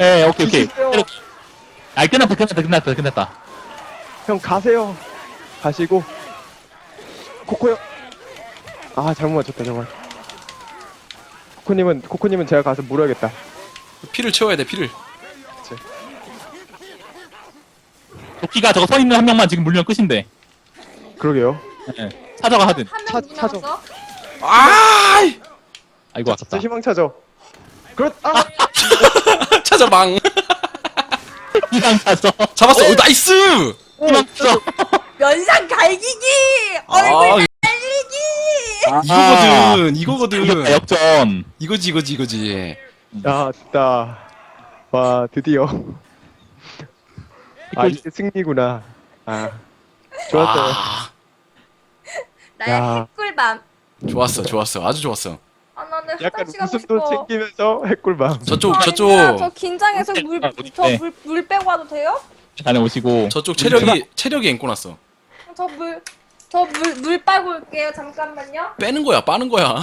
예, 오케이, 오케이. 주세요. 아, 끝났다. 형 가세요. 가시고. 코코요. 아 잘못 맞췄다 정말. 코코님은 제가 가서 물어야겠다. 피를 채워야 돼 피를. 도끼가 저거 서 있는 한 명만 지금 물면 끝인데. 그러게요. 예. 찾아가 하든. 한명 누구 찾아. 남았어? 아 아이고, 아깝다. 저 희망 찾아. 아 찾아망. 희망 찾아. 잡았어. 오, 나이스. 희망 찾아. 면상 갈기기! 얼굴 아 날리기! 이거거든. 이겼다, 역전. 이거지. 야, 됐다. 와, 드디어. 아, 이게 승리구나. 아, 좋았어요. 아, 나의 야. 핵꿀밤. 좋았어. 아주 좋았어. 아, 나는 약간 화장실 가고 웃음도 싶어. 챙기면서 핵꿀밤. 저쪽 아니야, 저 긴장해서 네. 물 빼고 와도 돼요? 다녀오시고. 저쪽 체력이 앵꼬 났어. 물 빨고 올게요. 잠깐만요. 빼는 거야, 빠는 거야.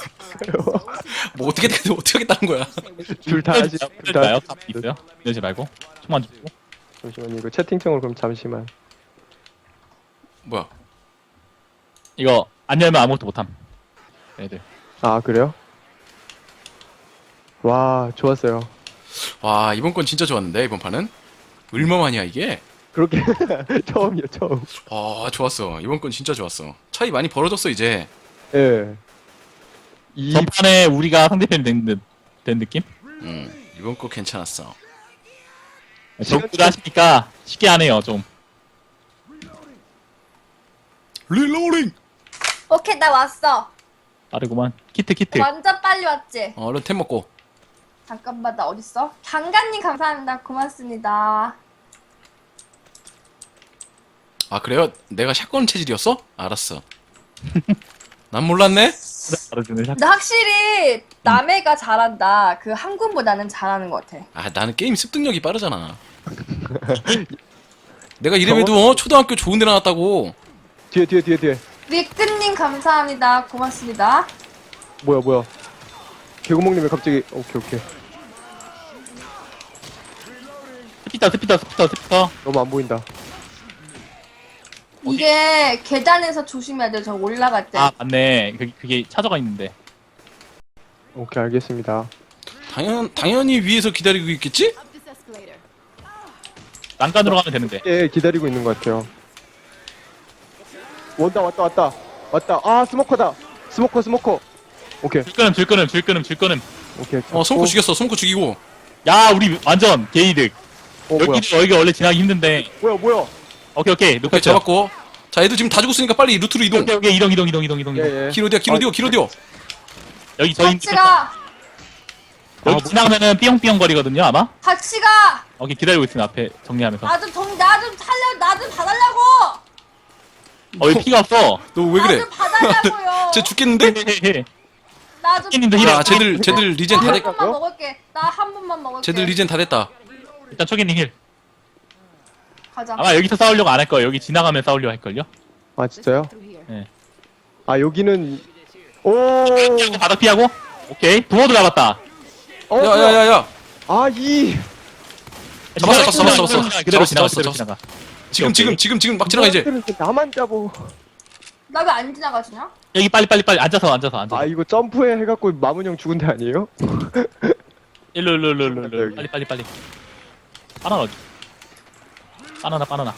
뭐 어떻게 하겠다는 거야. 둘 다 하시, 둘 다. 될까요? 있어요? 이러지 말고. 총만 주고. 잠시만요. 이거 채팅창으로 그럼 잠시만. 뭐야? 이거 안 열면 아무것도 못함. 애들. 아, 그래요? 와, 좋았어요. 와, 이번 건 진짜 좋았는데 이번 판은 얼마만이야 이게? 그렇게 처음이요, 처음. 아, 좋았어. 이번 건 진짜 좋았어. 차이 많이 벌어졌어 이제. 예. 이 전판에 우리가 상대편이 된 느낌? 이번 거 괜찮았어. 적구가 하시니까 쉽게 하네요, 좀. 릴로링. 오케이, 나 왔어. 빠르구만. 키트. 완전 빨리 왔지? 얼른 템 먹고. 잠깐만, 나 어딨어? 장관님 감사합니다. 고맙습니다. 아, 그래요? 내가 샷건 체질이었어? 알았어. 난 몰랐네. 바로주는 샷. 근데 확실히 남해가 잘한다. 그 한군보다는 잘하는 것 같아. 아, 나는 게임 습득력이 빠르잖아. 내가 이래봬도 초등학교 좋은 데 나왔다고. 뒤에. 위크님 감사합니다. 고맙습니다. 뭐야. 개구멍님 왜 갑자기, 오케이. 스피터. 너무 안 보인다. 이게 계단에서 조심해야 돼. 저 올라갈 때. 아, 맞네. 그게 찾아가 있는데. 오케이, 알겠습니다. 당연히 위에서 기다리고 있겠지? 난간으로 가면 되는데. 예, 기다리고 있는 것 같아요. 왔다. 아, 스모커다. 스모커. 오케이. 줄 끊음. 오케이. 손코 죽였어. 손코 죽이고. 야, 우리 완전 게이득. 뭐야. 여기가 원래 지나기 힘든데. 뭐야. 오케이. 오케이, 놓고 잡았고. 자, 애들 지금 다 죽었으니까 빨리 루트로 이동. 오케이. 이동. 예. 기로 뛰어. 여기 저희 같이 가. 여기 지나가면은 삐용삐용 거리거든요, 아마? 같이 가. 오케이, 기다리고 있으면 앞에 정리하면서. 나 좀 봐달라고. 여기 피가 없어. 너 왜 나 그래? 좀 봐달라고요. 쟤 죽겠는데? 나 좀. 님도 야, 힐. 쟤들 리젠 다 한 됐. 번만 먹을게. 나 한 번만 먹을게. 쟤들 리젠 다 됐다. 일단 초기님 힐. 가자. 아마 여기서 싸우려고 안 할 거예요. 여기 지나가면 싸우려고 할걸요? 아, 진짜요? 네. 아, 여기는, 오! 바닥 피하고. 오케이. 부모도 잡았다. 야야야야. 아, 잡았어. 그대로 잡았어. 지나가. 지금 막 지나가 이제. 나만 잡어. 나 왜 안 지나가지냐? 여기 빨리 앉아서. 아, 이거 점프해 해갖고 마문 형 죽은 데 아니에요? 일로. 빨리. 바나나 어디? 바나나.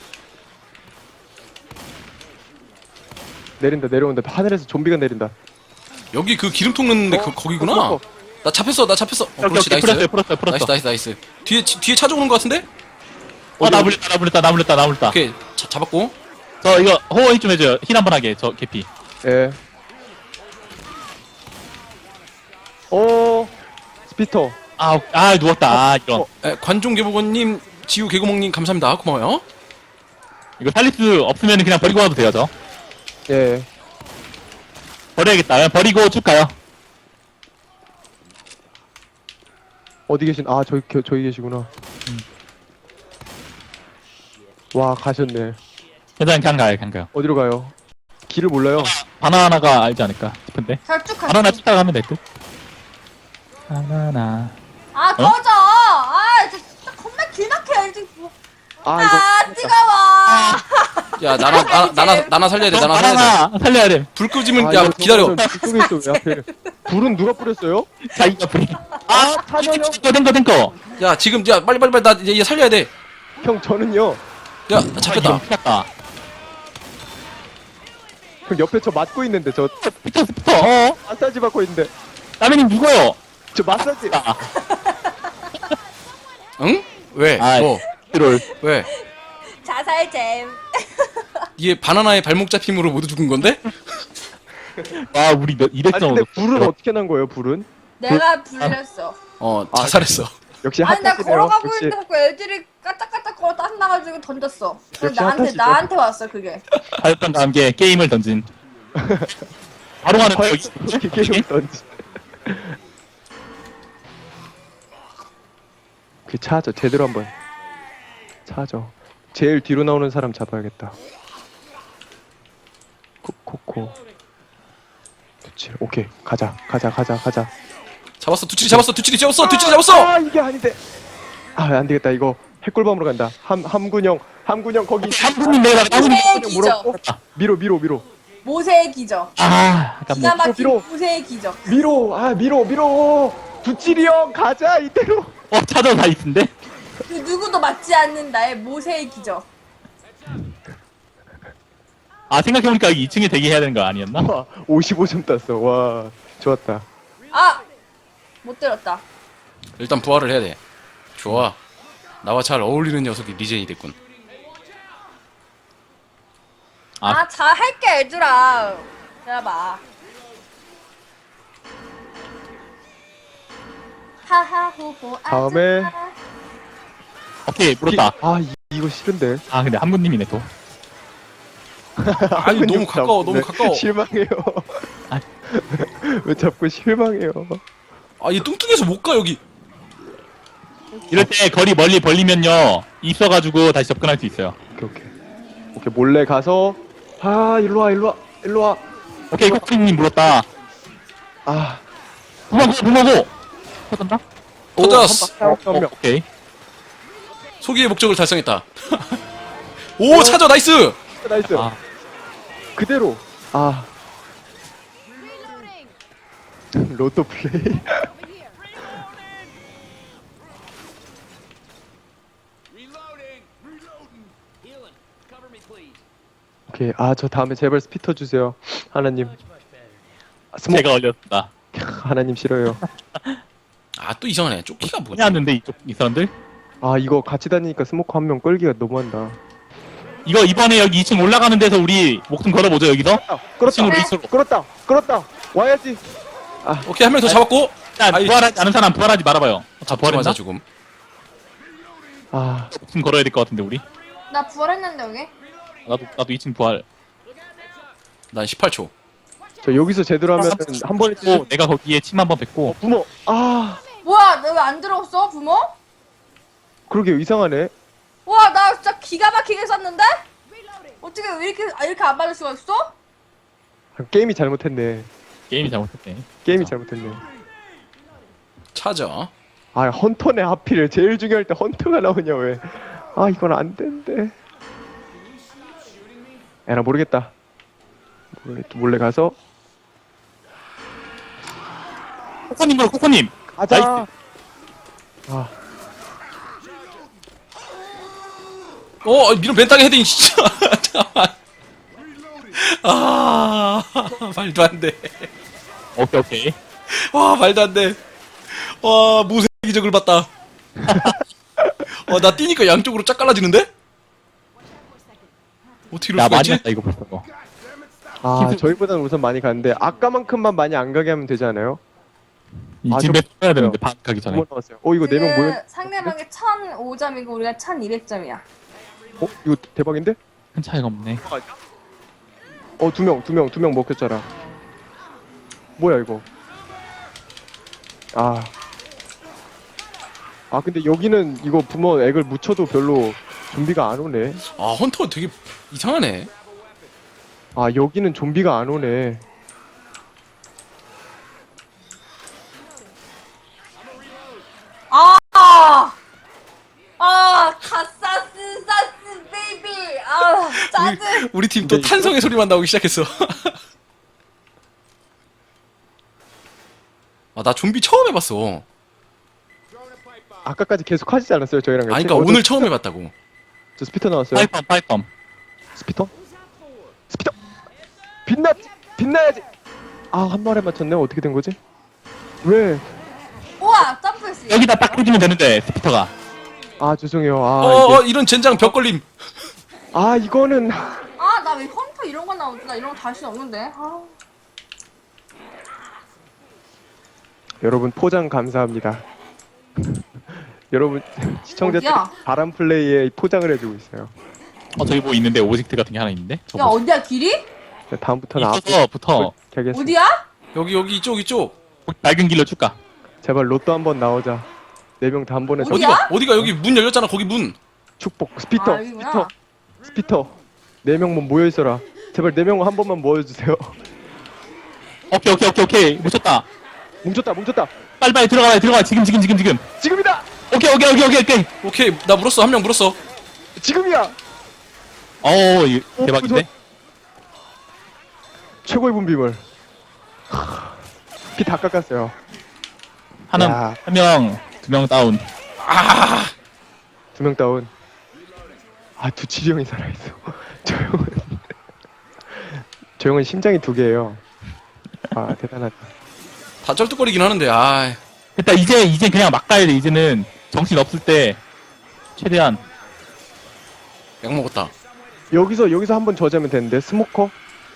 내려온다. 하늘에서 좀비가 내린다. 여기 그 기름통 넣는데 거기구나. 스모커. 나 잡혔어. 그렇지, 나이스. 풀었어. 나이스. 뒤에 찾아오는 거 같은데? 나 물렸다. 오케이, 잡았고. 저 이거 호응이 좀 해줘요. 힐 한번 하게. 저 개피. 예. 오, 스피터. 누웠다. 이런. 관종개보건님, 지우 개구멍님 감사합니다. 고마워요. 이거 살릴 수 없으면 그냥 버리고 와도 돼요, 저. 예. 버려야겠다. 그냥 버리고 쭉 가요. 어디 아, 저기 계시구나. 와, 가셨네. 그냥 가요. 어디로 가요? 길을 몰라요. 바나나가 알지 않을까 싶은데. 결쭉 가. 바나나 쫓아가면 될 듯. 바나나. 아 꺼져. 아 아 이거 아 뜨거워. 야 나나 살려야 돼. 나나 살려야 돼. 하나 살려야 돼. 불 끄지면 아, 야 이거 기다려. 저거는 불 속에 있어 왜 하필. 불은 누가 뿌렸어요? 자기가 불이. 아 찬현 탱커. 야 지금 야 빨리 나 얘 살려야 돼. 형 저는요. 야 잡혔다. 피했다. 형 옆에 저 맞고 있는데 저 스피터. 마사지 받고 있는데 라면님 누구요? 저 마사지. 아, 응? 왜? 아, 뭐? 트롤. 왜? 자살잼. 이게 바나나의 발목 잡힘으로 모두 죽은 건데? 와, 우리 몇 200점. 아니 근데 불은 어떻게 난 거예요? 불은? 내가 불렸어. 자살했어. 역시 아니 나 핫하시네요. 걸어가고 역시 있는데 자꾸 애들이 까딱까딱 걸어 짜증나가지고 던졌어. 그래서 역시 핫하시죠. 나한테 왔어 그게. 하였던과 함께 게임을 던진. 바로 가는 거 기계용 던지. 그 차죠. 제대로 한번 차죠. 제일 뒤로 나오는 사람 잡아야겠다. 코코코. 그치. 오케이. 가자. 잡았어. 두칠이 잡았어. 두칠이 잡았어. 아 이게 아닌데. 아 안 되겠다. 이거 핵골밤으로 간다. 함군형 거기. 한분님 내가 모세의 기적. 미로. 모세의 기적. 아, 아까 뭐 기가 막힌 밀어. 모세의 기적. 미로. 두칠이 형 가자 이대로. 그 찾아서 다 있는데. 누구도 맞지 않는 나의 모세의 기적. 아, 생각해보니까 여기 2층에 대기해야 되는 거 아니었나? 와 55점 땄어. 와 좋았다. 아! 못 때렸다. 일단 부활을 해야 돼. 좋아. 나와 잘 어울리는 녀석이 리젠이 됐군. 아. 잘할게 얘들아. 기다려봐. 하하호호 다음에 오케이, 물었다. 아 이거 싫은데. 아, 근데 한분님이네 또. 아니 너무 가까워. 실망해요. 아. 왜 자꾸 실망해요? 아 얘 뚱뚱해서 못 가 여기. 이럴 때 거리 멀리 벌리면요, 있어가지고 다시 접근할 수 있어요. 오케이 몰래 가서 일로 와. 오케이, 코크님 물었다. 아 부모고! 터졌나? 터졌어. 한 명. 오케이. 소기의 목적을 달성했다. 오 찾아 나이스. 나이스. 아, 그대로. 로또 플레이. 오케이. 저 다음에 제발 스피터 주세요. 하나님. 스모 제가 올렸다. 하나님 싫어요. 아 또 이상하네. 조끼가 뭐냐? 해왔는데, 이 사람들? 이거 같이 다니니까 스모커 한 명 끌기가 너무한다. 이거 이번에 여기 2층 올라가는 데서 우리 목숨 걸어보죠, 여기서? 끌었다. 우리 스스로. 끌었다. 와야지. 오케이 한 명 더 잡았고. 자, 아이, 부활하지 않은 사람 부활하지 말아봐요. 다 부활했나? 맞아 죽음. 목숨 걸어야 될 것 같은데, 우리? 나 부활했는데 여기? 나도 2층 부활. 난 18초. 저 여기서 제대로 하면 한 번에 고 내가 거기에 침 한 번 뱉고. 부모. 뭐야 너 왜 안 들어왔어 부모? 그러게 이상하네. 와 나 진짜 기가 막히게 쐈는데? 어떻게 왜 이렇게 안 받을 수가 있어? 게임이 잘못했네. 게임이 잘못했네. 게임이 잘못했네. 찾아. 헌터네 하필 제일 중요할 때 헌터가 나오냐 왜? 이건 안 된대. 나 모르겠다. 몰래 가서 코코님! 가자. 나이스. 미련 벤땅에 헤딩 진짜. 잠깐만. 말도 안 돼. 오케이. 와 말도 안 돼. 와 무쇠 기적을 봤다. 나 뛰니까 양쪽으로 쫙 갈라지는데? 어떻게 이럴 야, 수가 많이 있지? 했다, 이거 벌써. 저희보다는 우선 많이 가는데 아까만큼만 많이 안 가게 하면 되지 않아요? 이쯤에 써야 되는데, 반 가기 전에. 두번 나왔어요. 이거 4명 모였. 상대방이 1005점이고 우리가 1200점이야. 이거 대박인데? 큰 차이가 없네. 두 명 먹혔잖아. 뭐야 이거? 근데 여기는 이거 부모 액을 묻혀도 별로 좀비가 안 오네. 헌터 되게 이상하네. 여기는 좀비가 안 오네. 가사스 우리 팀 또 근데 탄성의 소리만 나오기 시작했어. 아, 나 좀비 처음 해봤어. 아까까지 계속 하시지 않았어요 저희랑 같이? 아니, 그니까 오늘 처음 해봤다고. 저 스피터 나왔어요. 파이펌. 스피터? 스피터! 빛나야지! 아, 한 마리 맞췄네. 어떻게 된 거지? 왜? 우와 점프했어. 여기다 딱 해주면 되는데 스피터가. 아, 죄송해요. 아, 이게... 이런 젠장 벽 걸림. 아, 이거는. 아 나 왜 헌터 이런 거 나오지? 나 이런 거 자신 없는데. 아. 여러분, 포장 감사합니다. 여러분, 시청자들이 어디야? 바람 플레이에 포장을 해주고 있어요. 저기 뭐 있는데 오직트 같은 게 하나 있는데. 야 저거 어디야 길이? 네, 다음부터는 앞으로 있어서부터 가겠습니다. 어디야? 여기 이쪽. 맑은 길로 쭉 가. 제발 로또 한번 나오자. 4명 다 한 번에 어디야? 어디가 여기 문 열렸잖아. 거기 문. 축복. 스피터. 아, 여기구나. 스피터. 4명만 모여있어라. 제발 4명 한 번만 모여주세요. 오케이. 묻혔다. 뭉쳤다. 빨리 들어가. 지금. 지금이다! 오케이. 오케이, 나 물었어. 한 명 물었어. 지금이야! 이거 대박인데. 최고의 분비물. 피 다 깎았어요. 야. 한 명, 2명 다운. 2명 다운. 아, 두칠이 형이 살아있어. 저 형은 심장이 2개예요. 아, 대단하다. 다 쩔뚝거리긴 하는데, 아. 됐다. 이제 그냥 막 가야 돼. 이제는 정신 없을 때 최대한. 약 먹었다. 여기서 한번 저자면 되는데. 스모커?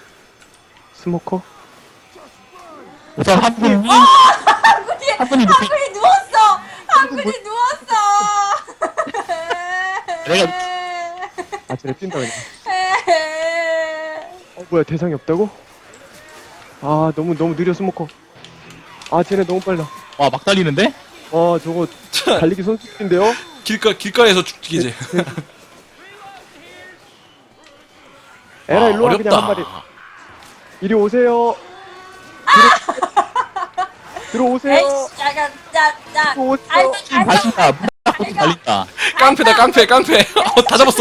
우선 한 분이 한 분이 높이. 한분이 누웠어. 한분이 누웠어. 내가 아, 쟤네 뛴다 그냥. 뭐야, 대상이 없다고? 아, 너무 느려, 스모커. 아, 쟤네 너무 빨라. 막 달리는데? 저거 달리기 선수인데요? 길가에서 죽기 이제. 에라, 일로 와, 그냥 한 마리. 이리 오세요. 들어오세요. 에이씨, 야야, 야. 들어오세요. 달린다. 문 닫고 달린다. 깡패다, 깡패. 다 잡았어.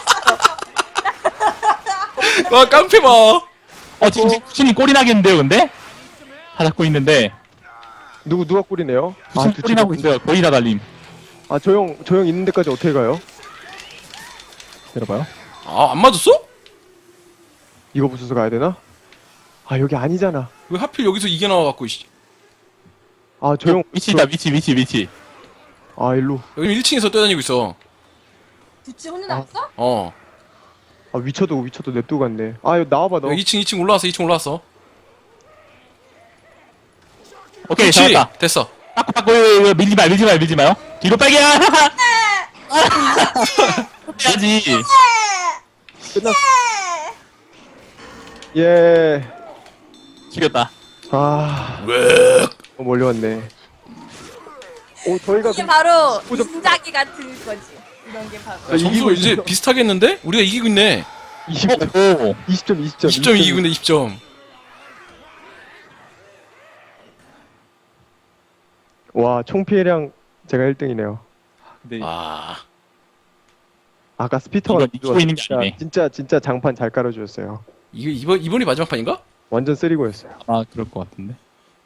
와, 깡패 봐. 지금 쿠신이 꼴이 나겠는데요, 근데? 다 잡고 있는데. 누가 꿀이네요? 쿠신 꼴이 나고 있어요. 거의 다 달림. 아, 저 형 있는 데까지 어떻게 가요? 들어봐요. 안 맞았어? 이거 부숴서 가야 되나? 아, 여기 아니잖아. 왜 하필 여기서 이게 나와갖고, 씨. 아, 저 형. 위치다, 위치. 아, 일로. 여기 1층에서 뛰어다니고 있어. 두치 혼자 나왔어? 아, 위쳐도 냅두고 갔네. 아, 이거 나와봐, 너. 여기 2층 올라왔어. 2층 올라왔어. 오케이, 그렇지. 잡았다. 됐어. 빠꾸, 밀지 마요. 뒤로 빨개야! 해야지. 끝났어. 예. 죽였다. 아, 너무 멀리 왔네. 저희가 이게 바로 보자. 진작이 같은 거지. 이런 게 바로. 야, 점수 이제 있어. 비슷하겠는데? 우리가 이기고 있네. 20점, 20점 이기고 있네, 20점. 와, 총 피해량 제가 1등이네요. 근데 아까 스피터가 이거 이기고 있는 게 아니네. 진짜 장판 잘 깔아주셨어요. 이번이 마지막 판인가? 완전 쓰리고였어요. 그럴 것 같은데.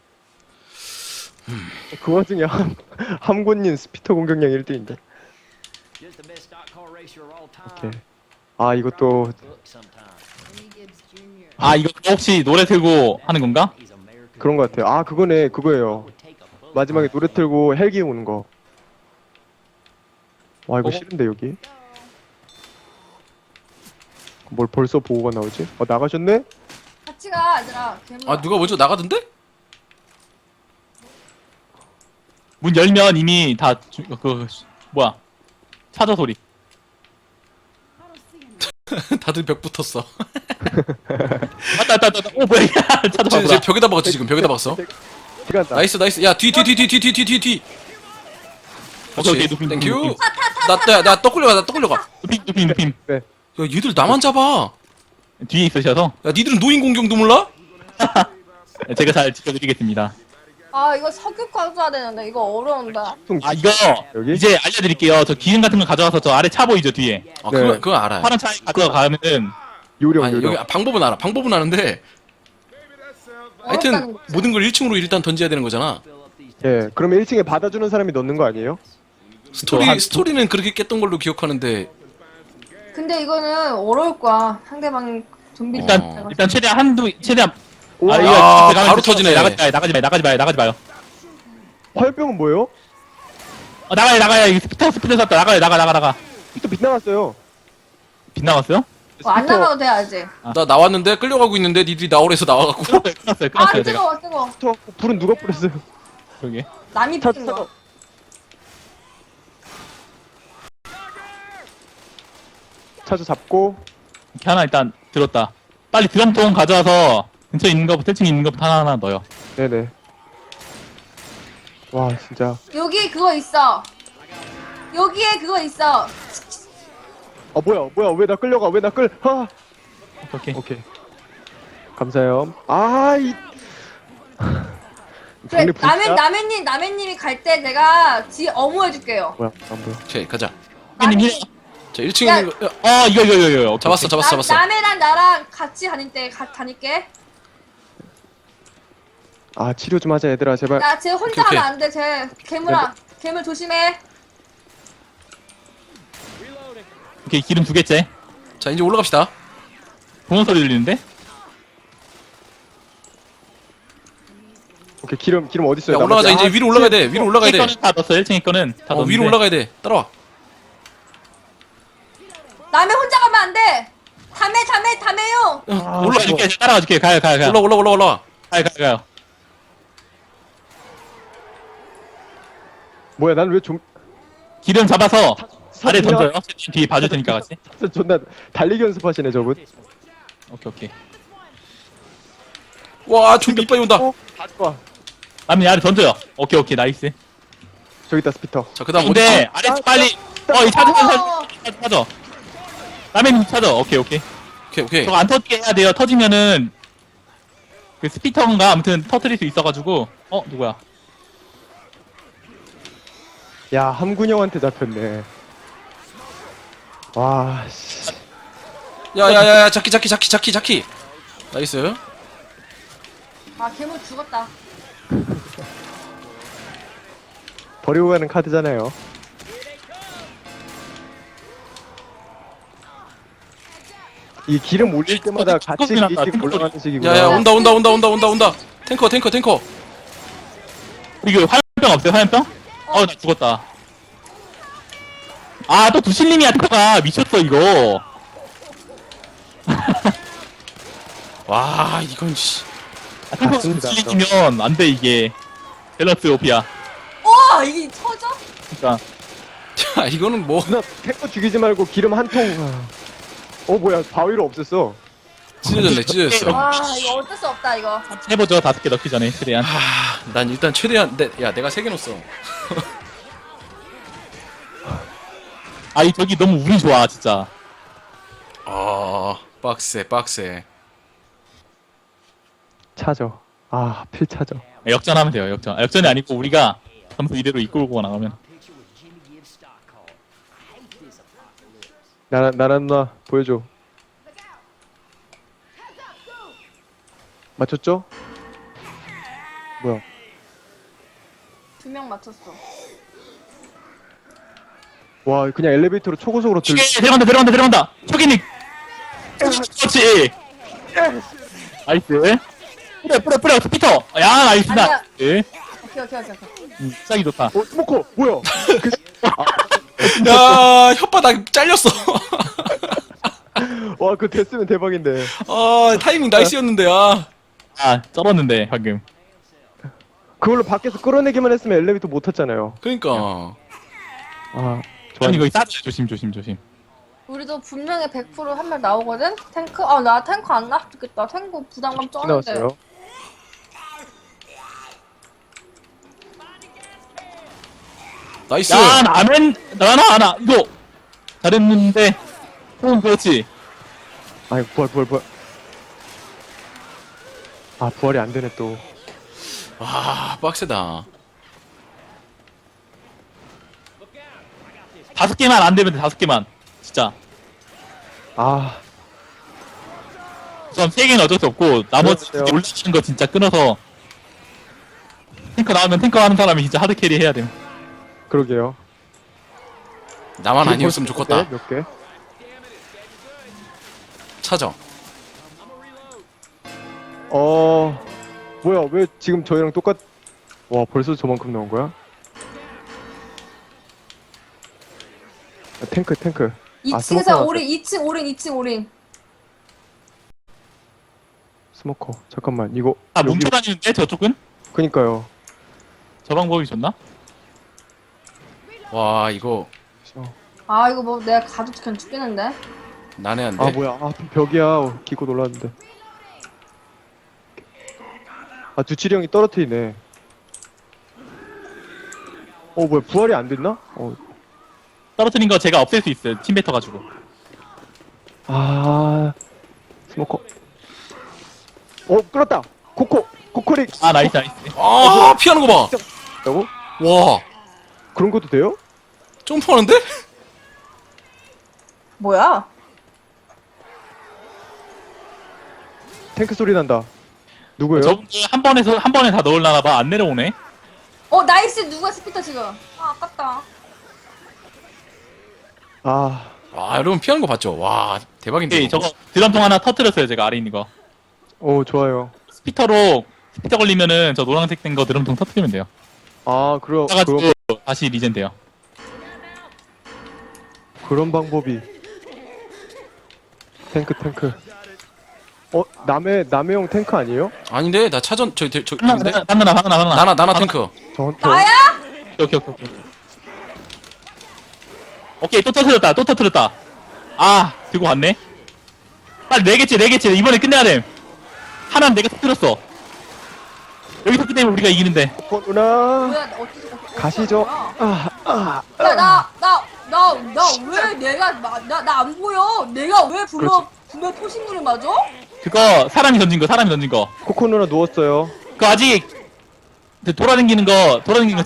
그 와중에 함군님 스피터 공격량 1등인데. 오케이. 아, 이것도 이거 혹시 노래 틀고 하는 건가? 그런 것 같아요. 아, 그거예요. 마지막에 노래 틀고 헬기 오는 거. 와, 이거 싫은데 여기. 뭘 벌써 보고가 나오지? 나가셨네? 같이 가, 얘들아. 괴물아. 누가 먼저 나가던데? 문 열면 이미 다 뭐야? 차저 소리. 다들 벽 붙었어. 왔다. 뭐야? 차저 이제 봐. 벽에다 박았지, 지금. 벽에다 박았어. 시간 다. 나이스. 야, 뒤. 오케이, 그렇지. 눕힘. 땡큐. 나 떡 끌려가. 눕힘. 네. 야, 얘들 나만 잡아. 뒤에 있으셔서 야, 니들은 노인 공격도 몰라? 제가 잘 지켜드리겠습니다. 이거 석유 가져야 되는데 이거 어려운다. 이거 여기? 이제 알려드릴게요. 저 기름 같은 거 가져와서 저 아래 차 보이죠 뒤에. 네. 그건 알아요. 파란 차에 가져가면은 요령 아니 요령. 여기 방법은 알아. 방법은 아는데 하여튼 어렵다는 거지. 모든 걸 1층으로 일단 던져야 되는 거잖아. 예, 그러면 1층에 받아주는 사람이 넣는 거 아니에요? 스토리는 그렇게 깼던 걸로 기억하는데 근데 이거는 어려울 거야. 상대방이 좀비 일단 최대한 오, 이거 아, 들어가면 바로 터지네. 나가지 마요. 화염병은 뭐예요? 나가요. 이거 스피터 샀다. 나가. 또 빗나갔어요. 빗나갔어요? 안 나가도 돼 아직. 나 나왔는데 끌려가고 있는데 니들이 나오래서 나와갖고 끊었어요. 아 제가. 뜨거워. 저 불은 누가 뿌렸어요? 그러게. 남이 차 피는 거. 차주 잡고. 이렇게 하나 일단 들었다. 빨리 드럼통 가져와서 근처에 있는 거부터 1층에 있는 거부터 하나 넣어요. 네네. 와 진짜. 여기 그거 있어. 여기에 그거 있어. 아 뭐야 왜 나 끌려가 왜 나 끌? 아 오케이. 오케이. 감사해요. 아이. 그래 정리 남해님이 갈 때 내가 뒤 어무해줄게요. 뭐야 안 보여. 오케이 가자. 형님 힐. 자 1층에 야. 있는 거 이거. 오케이, 잡았어. 남해랑 나랑 같이 다닐게. 아 치료 좀 하자 얘들아 제발. 야, 쟤 혼자 오케이. 하면 안 돼. 쟤 괴물아. 괴물 조심해. 오케이 기름 2개째. 자 이제 올라갑시다. 부모 소리 들리는데? 오케이 기름 어디 있어요? 야 올라가자. 이제 위로 올라가야 돼. 위로 올라가야 돼. 1층에 거는 다 넣었어. 1층에 거는 다 넣었는데. 위로 올라가야 돼. 따라와. 남해 혼자 가면 안 돼. 담해용. 올라줄게. 따라가줄게. 가요. 올라와. 가요. 뭐야 난 왜 좀 기름 잡아서 아래 사진이야? 던져요. 뒤에 봐줄 테니까 같이. 존나 달리기 연습하시네 저분. 오케이. 와 좀비 빨리 온다. 다 좋아. 남이 아래 던져요. 오케이 나이스. 저기 있다 스피터. 자 그다음 어디? 근데 아래 빨리 이 찾아. 남의 찾아. 오케이. 오케이. 저거 안 터지게 해야 돼요. 터지면은 그 스피터인가 아무튼 터트릴 수 있어가지고. 누구야? 야 함군형한테 잡혔네. 와 씨. 야야야 자키. 나이스. 아, 괴물 죽었다. 버리고 가는 카드잖아요. 이 기름 올릴 때마다 같이 뚜껑이 났다, 이렇게 올라가는 식이구나. 야야 온다. 탱커. 이거 화염병 없어요? 화염병? 나 죽었다. 또 두실님이야 탱커가 미쳤어 이거. 와 이건 씨. 탱커 맞습니다. 두실님이면 안 돼 이게. 밸런스 오피야. 와, 이게 터져? 그러니까 야 이거는 뭐 누나 탱커 죽이지 말고 기름 한 통. 뭐야 바위로 없앴어. 찢어졌어. 와, 이거 어쩔 수 없다, 이거. 해보죠. 5개 넣기 전에 최대한. 난 일단 최대한 내가 3개 넣었어. 이 저기 너무 운이 좋아 진짜. 빡세. 차죠. 필 차죠. 역전하면 돼요. 역전이 아니고 우리가 점수 이대로 이끌고 나가면. 나란 누나 보여줘. 맞췄죠? 뭐야? 2명 맞췄어. 와 그냥 엘리베이터로 초고속으로 들어간다. 초기닉. 그렇지. 나이스. 뿌려 스피터. 야 나이스. 아니야. 나이스. 오케이. 시작이 좋다. 스모커 뭐야? 야 혓바닥 잘렸어. 와 그거 됐으면 대박인데. 타이밍 나이스였는데 쩔었는데 방금. 그걸로 밖에서 끌어내기만 했으면 엘리베이터 못 탔잖아요. 그러니까 아니 이거 싸줘. 조심. 우리도 분명히 100% 한 명 나오거든? 탱크? 나 탱크 안 나왔겠다 탱크 부담감 쩌는데. 나왔어요. 나이스. 야 나는 나나 이거 잘했는데. 그렇지. 아이 부활. 부활이 안 되네 또. 와 빡세다. 5개만 안 되면 돼. 5개만. 진짜. 그럼 3개는 어쩔 수 없고 나머지 그렇죠. 올리는 거 진짜 끊어서 탱커 나오면 탱커 하는 사람이 진짜 하드 캐리 해야 돼. 그러게요. 나만 아니었으면 좋겠다. 몇 개? 찾아. 뭐야, 왜 지금 저희랑 와, 벌써 저만큼 나온 거야? 아, 탱크. 2층에서 스모커 올인 2층 올인 2층 올인. 스모커. 잠깐만, 이거. 아 여기- 뭉쳐 다니는데 저쪽은? 그니까요. 저 방법이 좋나? 와 이거 아 이거 뭐 내가 가도 그냥 죽겠는데. 난해한데. 아, 뭐야. 아, 벽이야. 기고 놀랐는데. 아, 두칠이 형이 떨어뜨리네. 뭐야. 부활이 안 됐나? 떨어뜨린 거 제가 없앨 수 있어요. 팀 뱉어 가지고. 스모커. 끌었다. 코코릭. 아 나이스. 아 피하는 거 봐. 라고? 와 그런 것도 돼요? 점프하는데? 뭐야? 탱크 소리 난다. 누구예요? 저분들 한 번에 다 넣으려나 봐. 안 내려오네. 나이스. 누가 스피터 지금. 아깝다. 아, 와 여러분 피하는 거 봤죠? 와 대박인데. 네, 이거. 저거 드럼통 하나 터뜨렸어요. 제가 아래 있는 거. 좋아요. 스피터 걸리면은 저 노란색 된 거 드럼통 터뜨리면 돼요. 그럼 가지고 다시 리젠 돼요. 그런 방법이. 탱크. 남의 형 탱크 아니에요? 아닌데 나 차전 저인데 방나. 나나 탱크. 저 나야? 오케이. 오케이 또 터뜨렸다. 아 들고 갔네. 빨리 4개째 이번에 끝내야 돼. 하나는 내가 터뜨렸어. 여기서 끝내면 우리가 이기는데. 누나. 뭐야? 어떻게 가시죠. 나왜 내가 나 안 보여? 내가 왜 분명 토신물을 맞아? 그거 사람이 던진 거. 코코 누나 누웠어요. 그거 아직 돌아다니는 거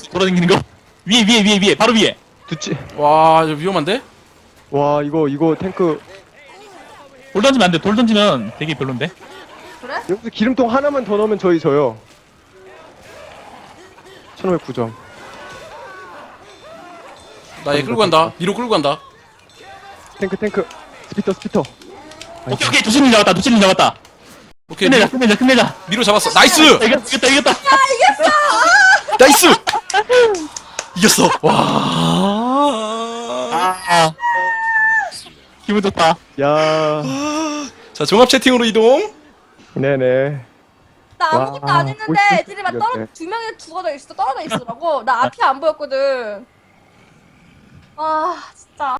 위에 바로 위에. 두치. 와 이거 위험한데? 와, 이거 탱크. 돌 던지면 안 돼. 돌 던지면 되게 별론데. 그래? 여기서 기름통 하나만 더 넣으면 저희 져요. 1509점. 나 얘 끌고 간다. 위로 끌고 간다. 탱크. 스피터. 오케이 두칠님 잡았다. 오케이 끝내자. 위로 잡았어. 나이스. 이겼다. 나이스. 이겼어. 와. 아 기분 좋다. 야. 자 종합 채팅으로 이동. 네네. 나 아무것도 와, 안 했는데 멋있게 애들이 막 생겼네. 두 명이 떨어져 있더라고. 나 앞이 안 보였거든. 아